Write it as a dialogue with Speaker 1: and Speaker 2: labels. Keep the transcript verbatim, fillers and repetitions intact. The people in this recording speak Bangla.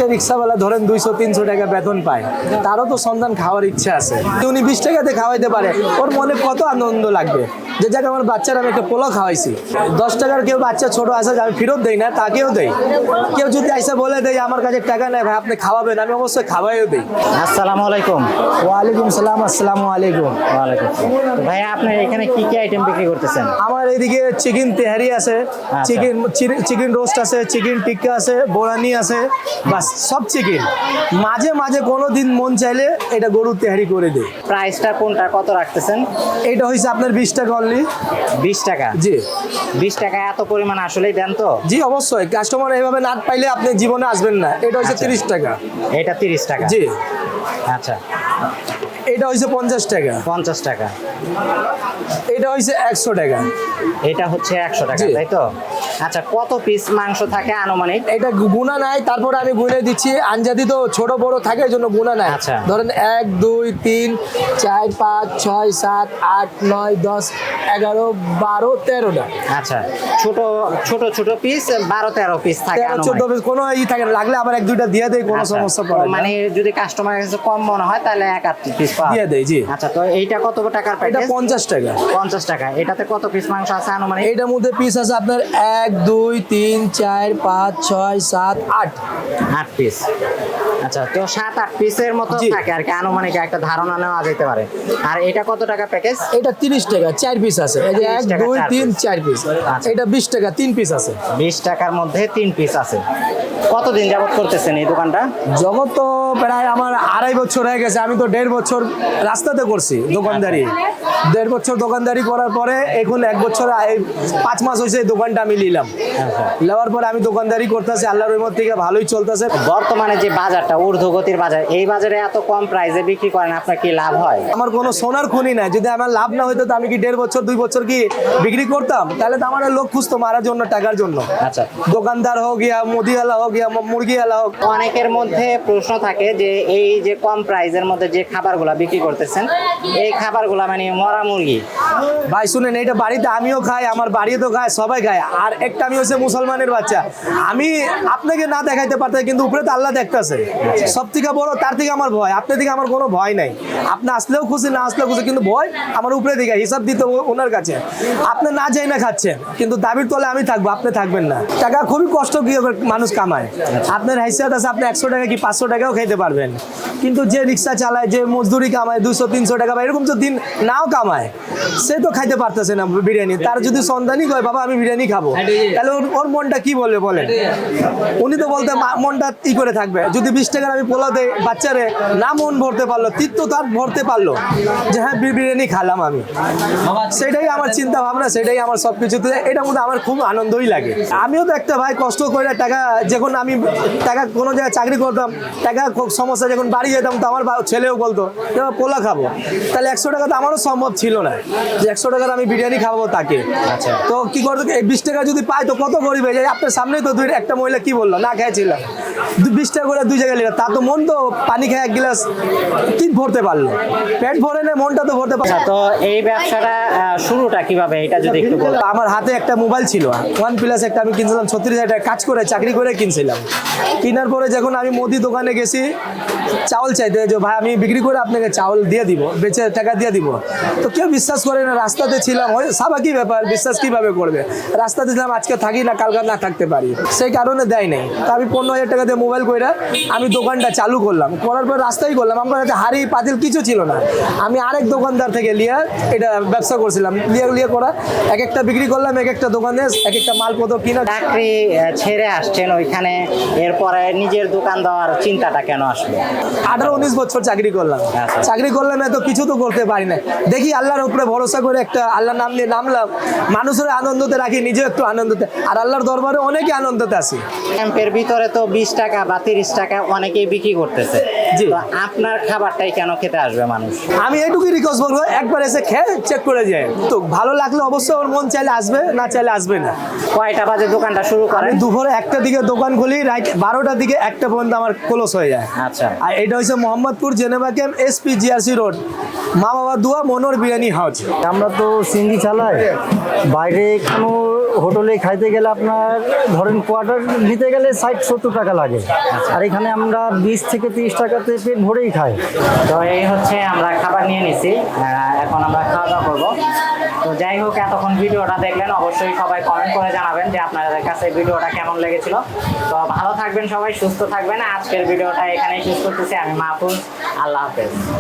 Speaker 1: রিক্সাওয়ালা ধরেন দুইশো তিনশো টাকা বেতন পায়, তারও তো সন্তান খাওয়ার ইচ্ছা আছে। উনি বিশ টাকাতে খাওয়াইতে পারে, ওর মনে কত আনন্দ লাগবে যে যাকে আমার বাচ্চার আমি একটা পোলাও খাওয়াইছি। দশ টাকার কেউ বাচ্চা ছোট আসে আমি ফেরত দেই না, তাকেও দেই। কেউ যদি আইসা বলে দেয় আমার কাছে টাকা নেই ভাই আপনি খাওয়াবেন, আমি অবশ্যই খাওয়াইও দিই।
Speaker 2: আসসালামু আলাইকুম।
Speaker 1: ওয়ালাইকুম সালাম। আসসালামু আলাইকুম।
Speaker 2: ওয়ালাইকুম। ভাই আপনি এখানে কি কি আইটেম বিক্রি করতেছেন?
Speaker 1: আমার এইদিকে চিকেন তেহারি আছে, চিকেন চিকেন রোস্ট আছে, চিকেন টিক্কা আছে, বোরানি আছে, বাস সব চিকেন। মাঝে মাঝে কোনো দিন মন চাইলে এটা গরুর তেহারি করে দিই।
Speaker 2: প্রাইসটা কোনটা কত রাখতেছেন?
Speaker 1: এটা হয়েছে আপনার বিশ টাকা অনলি।
Speaker 2: বিশ টাকা?
Speaker 1: জি।
Speaker 2: বিশ টাকা এত পরিমাণ আসলেই দেন তো?
Speaker 1: জি অবশ্যই, কাস্টমার এইভাবে না পাইলে আপনি জীবনে আসবেন না। এটা হচ্ছে তিরিশ টাকা।
Speaker 2: এটা তিরিশ টাকা?
Speaker 1: জি।
Speaker 2: আচ্ছা,
Speaker 1: এটা হচ্ছে পঞ্চাশ টাকা।
Speaker 2: পঞ্চাশ টাকা।
Speaker 1: এটা হচ্ছে একশো টাকা।
Speaker 2: এটা হচ্ছে একশো টাকা, তাই তো? আচ্ছা, কত পিস মাংস থাকে আনুমানিক?
Speaker 1: এটা গুণা নাই, তারপরে আমি গুনে দিচ্ছি। আঞ্জাদি তো ছোট বড় থাকে, এই জন্য গুণা নাই।
Speaker 2: আচ্ছা।
Speaker 1: ধরেন এক দুই তিন চার পাঁচ ছয় সাত আট নয় দশ এগারো বারো তেরোটা।
Speaker 2: আচ্ছা, ছোট ছোট ছোট পিস বারো তেরো পিস থাকে
Speaker 1: তেরো চোদ্দ পিস, কোনো ই থাকে না। লাগলে আবার এক দুইটা দিয়ে দেয়, কোনো সমস্যা পড়ে না।
Speaker 2: মানে যদি কাস্টমারের কাছে কম মনে হয় তাহলে এক আধ পিস
Speaker 1: দিয়ে দেয়। জি।
Speaker 2: আচ্ছা, তো এইটা কত টাকার
Speaker 1: এটা
Speaker 2: প্যাকেজ?
Speaker 1: পঞ্চাশ টাকা।
Speaker 2: পঞ্চাশ টাকা। এটাতে কত পিস মাংস আছে আনুমানিক?
Speaker 1: এটার মধ্যে পিস আছে আপনার এক দুই তিন চার পাঁচ ছয় সাত আট
Speaker 2: আট পিস। আচ্ছা, তো সাত আট পিসের মতো থাকে আর কি, আনুমানিক একটা ধারণা নেওয়া যেতে পারে। আর এটা কত টাকা প্যাকেজ?
Speaker 1: এটা তিরিশ টাকা, চার পিস আছে। এই যে এক দুই তিন চার পিস। এটা বিশ টাকা, তিন পিস আছে।
Speaker 2: বিশ টাকার মধ্যে তিন পিস আছে। কতদিন যাবত করতেছেন এই দোকানটা?
Speaker 1: জগৎ তো প্রায় আমার আড়াই বছর হয়ে গেছে। আমি তো দেড় বছর রাস্তাতে করছি দোকানদারি। দেড় বছর দোকানদারি করার পরে এখন এক বছর পাঁচ মাস হয়েছে এই দোকানটা আমি নিলাম। নেওয়ার পরে আমি দোকানদারি করতেছি, আল্লাহর রহমত থেকে ভালোই চলতেছে।
Speaker 2: বর্তমানে যে বাজারটা ঊর্ধ্বগতির বাজার, এই বাজারে এত কম প্রাইসে বিক্রি করেন, আপনার কি লাভ হয়?
Speaker 1: আমার কোনো সোনার খুনি নাই। যদি আমার লাভ না হইতো তো আমি কি দেড় বছর দুই বছর কি বিক্রি করতাম? তাহলে তো আমার লোক খুঁজতো মারার জন্য, টাকার জন্য।
Speaker 2: আচ্ছা,
Speaker 1: দোকানদার হোক ইয়া মুদিওয়ালা হোক ইয়া মুরগিওয়ালা হোক।
Speaker 2: অনেকের মধ্যে প্রশ্ন থাকে যে এই যে কম প্রাইসের মধ্যে যে খাবারগুলা বিক্রি করতেছেন, এই খাবারগুলা মানে মরা মুরগি।
Speaker 1: ভাই শুনেন, এইটা বাড়িতে আমিও খাই, আমার বাড়িতেও খায়, সবাই খায়। আর একটা আমি হচ্ছে মুসলমানের বাচ্চা, আমি আপনাকে না দেখাইতে পারতাম, কিন্তু উপরে তো আল্লাহ দেখতেছে। সব থেকে বড় তার থেকে আমার ভয়, আপনার থেকে আমার কোনো ভয় নাই। আপনি আসলেও খুশি, না আসলেও খুশি, কিন্তু ভয় আমার উপরে দিকে হিসাব দিতে ওনার কাছে। আপনি না যাই না খাচ্ছেন, কিন্তু দাবির তলে আমি থাকবো, আপনি থাকবেন না। টাকা খুবই কষ্ট কি মানুষ কামায়। আপনার হাইসিয়াত আছে, আপনি একশো টাকা কি পাঁচশো টাকাও খাইতে পারবেন, কিন্তু যে রিক্সা চালায়, যে মজদুরি কামায় দুশো তিনশো টাকা বা এরকম তো দিন নাও কামায়, সে তো খাইতে পারতেছে না বিরিয়ানি। তার যদি সন্তানই কয় বাবা আমি বিরিয়ানি খাবো, তাহলে ওর ওর মনটা কি বলবে বলেন? উনি তো বলতে মনটা ই করে থাকবে। যদি বিশ টাকার আমি পোলা দেয় বাচ্চারে, না মন ভরতে পারলো, তীর্থ তার ভরতে পারলো যে হ্যাঁ বিরিয়ানি খালাম আমি, সেটাই আমার চিন্তা ভাবনা, সেটাই আমার সব কিছুতে। এটার মধ্যে আমার খুব আনন্দই লাগে। আমিও তো একটা ভাই কষ্ট করে টাকা, যখন আমি টাকা কোনো জায়গায় চাকরি করতাম, টাকা সমস্যা যখন বাড়ি যেতাম, তো আমার ছেলেও বলতো যে পোলা খাবো, তাহলে একশো টাকা তো আমারও সম্ভব ছিল না যে একশো টাকার আমি বিরিয়ানি খাবো তাকে।
Speaker 2: আচ্ছা,
Speaker 1: তো কি করতো, বিশ টাকা যদি পাই তো কত গরিব হয়ে যায়। আপনার সামনেই তো দুই একটা মহিলা কি বললো, না খেয়েছিলাম বিশ টাকা করে দুই জায়গায় নিলাম, তা তো মন তো পানি খায় এক গ্লাস কি ভরতে পারলো, পেট ভরে না, মনটা তো ভরতে পারলো।
Speaker 2: তো এই ব্যবসাটা শুরুটা কিভাবে, এটা যদি একটু বলেন।
Speaker 1: আমার হাতে একটা মোবাইল ছিল ওয়ান প্লাস, একটা আমি কিনছিলাম ছত্রিশ হাজার টাকা, কাজ করে চাকরি করে কিনছিলাম। কেনার পরে যখন আমি মোদি দোকানে গেছি চাউল চাইতে, যে ভাই আমি বিক্রি করে আপনাকে চাউল দিয়ে দিব, বেচে টাকা দিয়ে দিব, তো কেউ বিশ্বাস করে না। রাস্তাতে ছিলাম, ওই স্বাভাবিক ব্যাপার, বিশ্বাস কিভাবে করবে? রাস্তাতে ছিলাম, আজকে থাকি না কালকে না থাকতে পারি, সেই কারণে দেয় নাই। তা আমি পনেরো হাজার টাকা দিয়ে মোবাইল করে আমি দোকানটা চালু করলাম। করার পর রাস্তাই করলাম, আমার কাছে হাড়ি পাতিল কিছু ছিল না। আমি আরেক দোকানদার থেকে লিয়া এটা ব্যবসা করছিলাম, লিয়া লিয়া করা এক একটা বিক্রি করলাম, এক একটা দোকানে এক একটা মালপত্র কিনা।
Speaker 2: চাকরি ছেড়ে আসছেন ওইখানে, এরপরে নিজের দোকান দেওয়ার চিন্তাটা কেন আসলো?
Speaker 1: আঠারো উনিশ বছর চাকরি করলাম, চাকরি করলাম, এত কিছু তো করতে পারি না। দেখি আল্লাহর উপরে ভরসা করে একটা আল্লাহর নাম নিয়ে নামলাম, মানুষের আনন্দতে রাখি, নিজে একটু আনন্দতে, আর আল্লাহর দরবারে অনেকে আনন্দতে আসি।
Speaker 2: ক্যাম্পের ভিতরে তো বিশ টাকা বা তিরিশ টাকা অনেকেই বিক্রি করতেছে,
Speaker 1: জি।
Speaker 2: তো আপনার খাবারটাই কেন খেতে আসবে মানুষ?
Speaker 1: আমি এইটুকুই রিকোয়েস্ট করবো, একবার এসে খেয়ে চেক করে যায়, তো ভালো লাগলে অবশ্যই ওর মন চাইলে আসবে, না চাইলে আসবে না।
Speaker 2: কয়টা বাজে দোকানটা শুরু করেন?
Speaker 1: দুপুরে একটা দিকে দোকান খুলি, রাত বারোটার দিকে একটা পর্যন্ত আমার ক্লোজ হয়ে যায়।
Speaker 2: আচ্ছা,
Speaker 1: আর এটা হচ্ছে Mohammadpur Geneva camp, SP GRC road, মা বাবা দুয়া মনোর বিরিয়ানি হাউস।
Speaker 3: আমরা তো সিঙ্গি চালাই, বাইরে কোনো হোটেলে খাইতে গেলে আপনার ধরেন কোয়ার্টার নিতে গেলে ষাট সত্তর টাকা লাগে, আর এখানে আমরা বিশ থেকে তিরিশ টাকাতে পেট ভরেই খাই।
Speaker 2: তো এই হচ্ছে আমরা খাবার নিয়ে নিছি, আহ, এখন আমরা খাওয়া দাওয়া করবো। তো যাই হোক, এতক্ষণ ভিডিওটা দেখলেন, অবশ্যই সবাই কমেন্ট করে জানাবেন যে আপনাদের কাছে ভিডিওটা কেমন লেগেছিল। তো ভালো থাকবেন সবাই, সুস্থ থাকবেন। আজকের ভিডিওটা এখানেই শেষ করতেছি। আমি মাহফুজ, আল্লাহ হাফেজ।